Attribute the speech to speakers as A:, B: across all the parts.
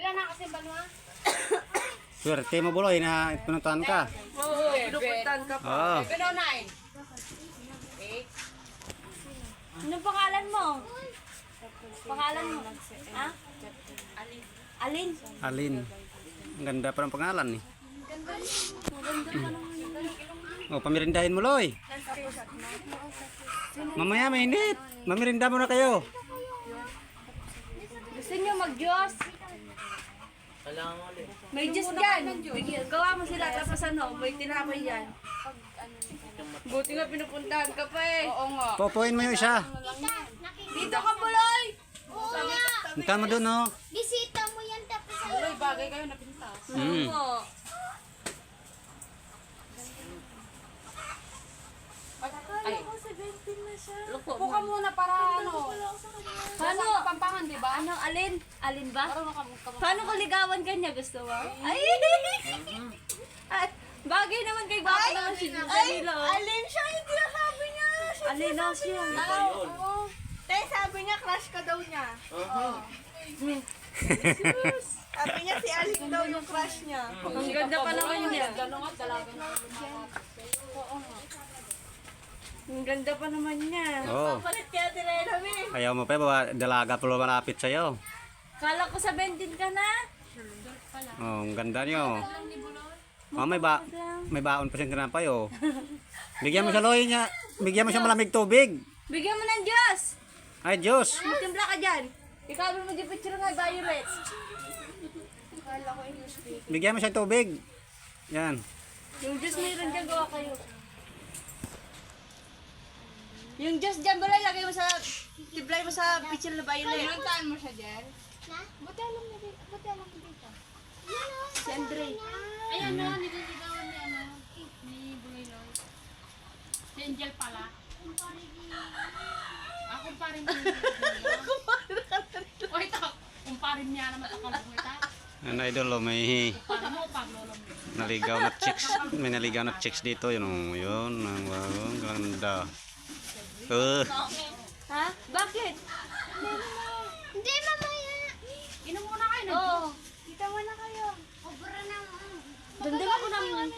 A: Pera na kasi banwa.
B: Swerte mo buloy na pinuntahan ka.
C: Oo, pinupuntahan ka pa.
B: Oo.
A: Pero 9.
D: Anong pangalan mo? Pangalan mo? Ha? Alin?
B: Alin. Ang ganda pa ng pangalan eh. Oh, pamirindahin mo, Loy. Mamaya mainit. Mamirinda mo na kayo.
D: Gusto niyo mag-Diyos? May Diyos dyan. Gawa mo sila tapos ano, may tinapay yan.
C: Buti nga pinupuntahan ka pa eh.
A: Oo nga.
B: Popoin mo yung isa.
D: Dito ka, Buloy!
B: Punta mo doon, oh.
E: Bisita mo yan tapos sa
A: Tuloy bagay kayo na pintas.
B: Mm.
D: Oo.
A: Ay.
D: Luko
A: Upo ka muna para ano.
D: Paano?
A: Kapampangan, di ba?
D: Ano, alin? Alin ba?
A: Parang nakamukha.
D: Paano ko ligawan kanya? Gusto mo? Ay! Ay! Bagay naman kay Baka naman si Danilo.
C: Alin siya, hindi na sabi niya.
D: Alin na siya.
C: Tay, sabi niya, crush ka daw niya. Sabi niya, si Alin daw yung crush niya.
D: Ang ganda pa naman niya.
A: Gano'n nga, dalaga na.
D: Ang ganda pa naman niya.
B: Oh.
C: Palit kaya tinayami.
B: Ayaw mo pa, baba, dalaga pa malapit sa'yo.
D: Kala ko sa 20 ka na.
B: Oh, ang ganda niyo. Oh, may baon pa siyang tinapay, oh. Bigyan mo siya, Loy, niya. Bigyan mo siya malamig tubig.
D: Bigyan mo ng Diyos.
B: Ay, Diyos.
D: Magtimpla ka dyan. Ikaw mo di picture nga Violet.
B: Bigyan mo siya tubig. Yan.
D: Yung Diyos mayroon dyan, gawa kayo. Yung Diyos dyan, balay, lagay mo sa, tiblay mo sa picture na Violet.
A: Pinuntahan mo siya, Jer?
E: na? Buti alam mo dito. Buti alam mo dito.
D: Si Andre.
A: Ay, ano, nililigawan ni ano, ni Buliloy. Si Angel pala. Ako pa rin niya. O ito, kumparin niya naman ako ng ita.
B: Ano, idol, oh, may
A: Paano mo, paglolo mo.
B: naligaw na chicks. May naligaw na chicks dito. Yun, oh, yun. Ang ganda.
D: Ha? Bakit?
E: Hindi, mamaya.
A: Inom muna kayo na.
D: Oo.
E: Kita mo na kayo. Obra na mo.
D: Dagdagan ko naman.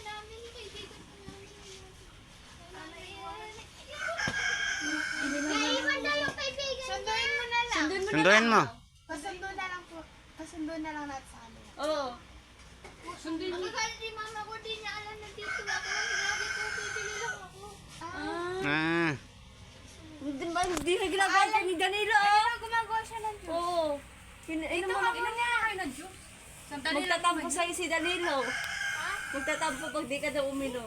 E: Naiwan na yung kaibigan. Sunduin mo na lang.
B: Sunduin mo.
E: Pasundo na lang po. Pasundo na lang natin sa kanila.
D: Oo.
A: Sundin mo.
E: Akala ni mama ko, di niya alam na dito ako. Sinabi ko, bibili lang ako.
B: Ah.
D: Hindi na ginagawa ka ni Danilo, oh.
E: Gumagawa siya ng Diyos.
D: Oo. Inom mo na,
A: Inom muna kayo na juice. Sandali lang.
D: magtatampo sa'yo si Danilo. Magtatampo pag di ka daw uminom.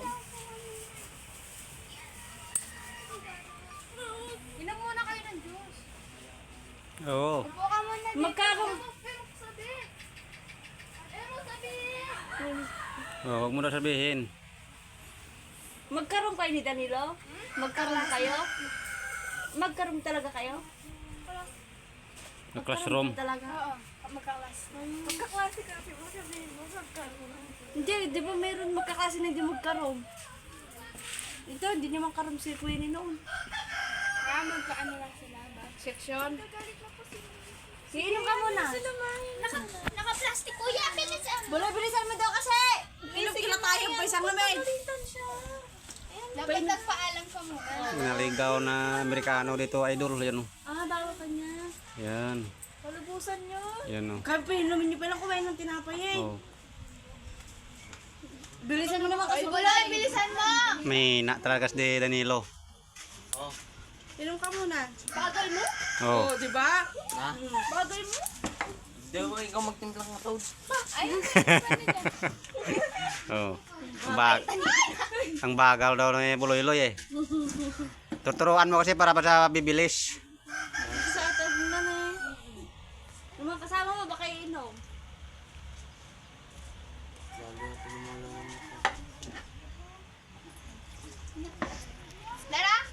A: Inom muna kayo ng juice.
B: Oo.
E: Upo ka muna dito.
D: Magkaroon.
E: Pero sabi. Pero sabi.
B: Oh, huwag mo na sabihin.
D: Magkaroon kayo ni Danilo? Magkaroon kayo? Magkaroon talaga kayo?
B: Na classroom.
D: Talaga?
E: Oo. Magkaklase.
C: Magkaklase ka kasi mo sabihin mo, magkaroon.
D: Hindi, di ba mayroon magkakasi na hindi magkaroon? Ito, hindi naman karoon si Queenie noon.
E: Magkaano lang sila ba?
A: Section.
D: Inom ka muna.
E: Naka-plastic. Kuya, bilisan.
D: Bilisan mo daw kasi! Inom kila tayo pa isang namin.
E: Dapat nagpaalam ka muna.
B: Naligaw na Amerikano dito, idol. Yan, oh.
D: Ah, bawa ka niya.
B: Yan.
C: Palubusan niyo.
B: Yan, oh.
D: Kaya pa inumin niyo palang kumain ng tinapay eh.
B: Oh.
D: Bilisan mo naman kasi.
E: Buloy, bilisan mo.
B: May na talaga si Danilo.
C: Inom ka muna.
D: Bagal mo?
B: Oh.
C: Oh, di ba?
D: Bagal mo?
F: Di ba ikaw magtimplang ng toad?
B: Oh. Ang bagal daw ng buloy-loy eh. Tuturuan mo kasi para sa bibilis.
D: Sa atas na eh. Yung mga kasama mo baka iinom.
E: Lara?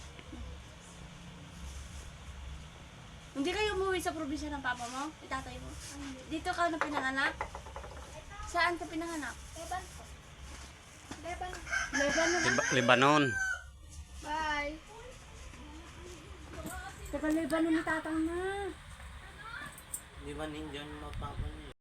D: Hindi kayo umuwi sa probinsya ng papa mo? Itatay mo? Dito ka na pinanganak? Saan ka pinanganak?
E: Leban po. Leban.
D: Lebanon.
B: Lebanon.
E: Bye.
D: Taga Lebanon ni tatang na.
F: Di ba ninjan mapapon?